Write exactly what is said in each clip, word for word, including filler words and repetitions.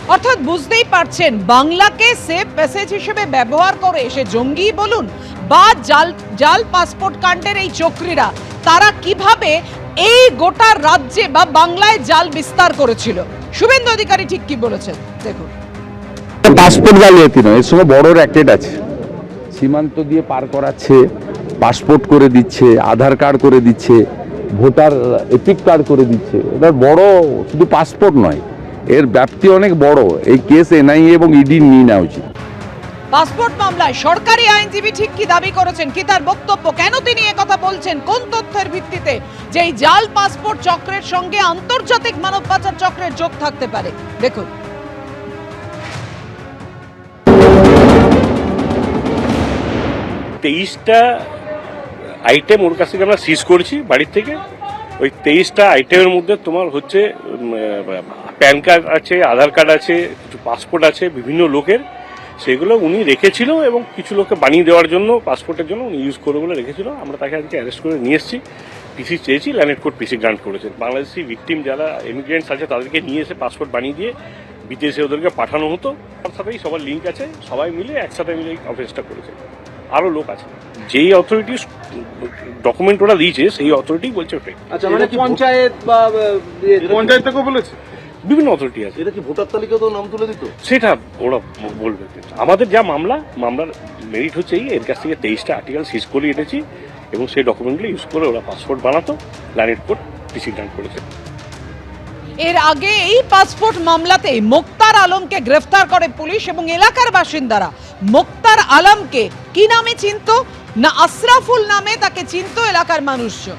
অর্থাৎ বুঝতেই পারছেন, বাংলাকে সেফ প্যাসেজ হিসেবে ব্যবহার করে সে জঙ্গি বলুন বা জাল জাল পাসপোর্ট কাণ্ডের এই চক্রীরা, তারা কিভাবে এই গোটা রাজ্যে বা বাংলায় জাল বিস্তার করেছিল। শুভেন্দু অধিকারী ঠিক কি বলেছেন দেখুন। পাসপোর্ট জালিয়াতি নয়, এর সঙ্গে বড় র্যাকেট আছে। সীমান্ত দিয়ে পার করাচ্ছে, পাসপোর্ট করে দিচ্ছে, আধার কার্ড করে দিচ্ছে, ভোটার এপিক কার্ড করে দিচ্ছে। এটা বড়, শুধু পাসপোর্ট নয়, এর ব্যাপ্তি অনেক বড়। এই কেস এনআইএ এবং ইডি নিয়ে নেওয়া উচিত। পাসপোর্ট মামলায় সরকারি আইনজীবী ঠিক কি দাবি করেছেন, কি তার বক্তব্য, কেন তিনি একথা বলছেন, কোন তথ্যের ভিত্তিতে যে এই জাল পাসপোর্ট চক্রের সঙ্গে আন্তর্জাতিক মানব পাচার চক্রের যোগ থাকতে পারে দেখুন। তেইশটা আইটেম ওর কাছ থেকে আমরা সিজ করেছি বাড়ির থেকে। ওই তেইশটা আইটেমের মধ্যে তোমার হচ্ছে প্যান কার্ড আছে, আধার কার্ড আছে, কিছু পাসপোর্ট আছে বিভিন্ন লোকের, সেগুলো উনি রেখেছিল এবং কিছু লোককে বানিয়ে দেওয়ার জন্য পাসপোর্টের জন্য উনি ইউজ করে বলে রেখেছিল। আমরা তাকে আজকে অ্যারেস্ট করে নিয়ে এসেছি, পিসি চেয়েছি, ল্যান্ড কোর্ট পিসি গ্রান্ট করেছেন। বাংলাদেশি ভিকটিম যারা ইমিগ্রেন্টস আছে তাদেরকে নিয়ে এসে পাসপোর্ট বানিয়ে দিয়ে বিদেশে ওদেরকে পাঠানো হতো। তার সাথেই সবার লিঙ্ক আছে, সবাই মিলে একসাথে মিলে অফিসটা করেছে। আরও লোক আছে, যেই অথরিটি ডকুমেন্ট ওরা দিয়েছে সেই অথরিটি বলছে ওটাই। আচ্ছা, মানে পঞ্চায়েত বা পঞ্চায়েত থেকে বলেছে, বিভিন্ন অথরিটি আছে। এটা কি ভোটার তালিকা তো নাম তুলে দিত, সেটা ওরা বলবে। আমাদের যা মামলা, মামলার মেরিট হচ্ছে এই, এর কাছ থেকে তেইশটা আর্টিকেল সিজ করে এনেছি এবং সেই ডকুমেন্টগুলো ইউজ করে ওরা পাসপোর্ট বানাতো, ল্যান্ড কোর্ট পিসি গ্রান্ট করেছে। এর আগে এই পাসপোর্ট মামলাতে মোক্তার আলমকে গ্রেফতার করে পুলিশ এবং এলাকার বাসিন্দারা মোক্তার আলমকে কি নামে চিনত, না আশরাফুল নামে তাকে চিনত এলাকার মানুষজন।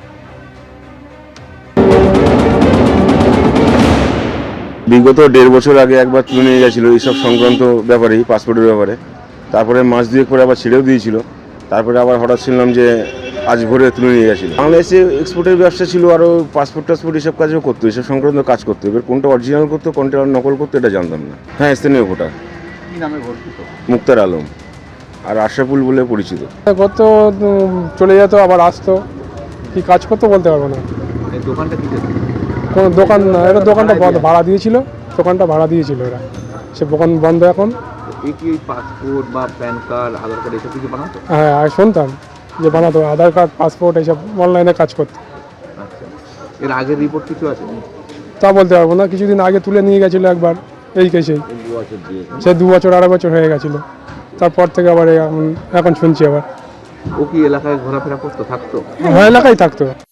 বিগত দেড় বছর আগে একবার তুলে নিয়ে গেছিলো এইসব সংক্রান্ত ব্যাপারেই, পাসপোর্টের ব্যাপারে। তারপরে মাস দুয়েক পরে আবার ছেড়েও দিয়েছিল। তারপরে আবার হঠাৎ শুনলাম যে আজ ভোরে তুলে নিয়ে গেছিলো। বাংলাদেশে এক্সপোর্টের ব্যবসা ছিল, আরও পাসপোর্ট টাসপোর্ট এসব কাজও করতো, এসব সংক্রান্ত কাজ করতো। এবার কোনটা অরিজিনাল করতো, কোনটা নকল করতো এটা জানতাম না। হ্যাঁ, স্থানীয় ভোটার। কি নামে ঘোষিত? মুক্তার আলম আর আশরাফুল বলে পরিচিত। গত চলে যেত আবার আসতো, কি কাজ করতো বলতে পারবো না। এই দোকানটা কি কোনো দোকান না, এটা দোকানটা বন্ধ, ভাড়া দিয়েছিল, দোকানটা ভাড়া দিয়েছিল এরা, সে দোকান বন্ধ এখন। এই কি পাসপোর্ট বা প্যান কার্ড, আধার কার্ড এসব কিছু বানাতো? হ্যাঁ, আমি শুনতাম যে বানাতো, আধার কার্ড, পাসপোর্ট এইসব অনলাইনে কাজ করতো। আচ্ছা, এর আগের রিপোর্ট কিছু আছে? তা বলতে পারবো না, কিছুদিন আগে তুলে নিয়ে গেছিলো একবার এই কেসেই, দু বছর দিয়ে সে দু বছর আড়াই বছর হয়ে গেছিলো। তারপর থেকে আবার এখন এখন শুনছি আবার। ও কি এলাকায় ঘোরাফেরা করতো, থাকতো? হ্যাঁ, এলাকায় থাকতো।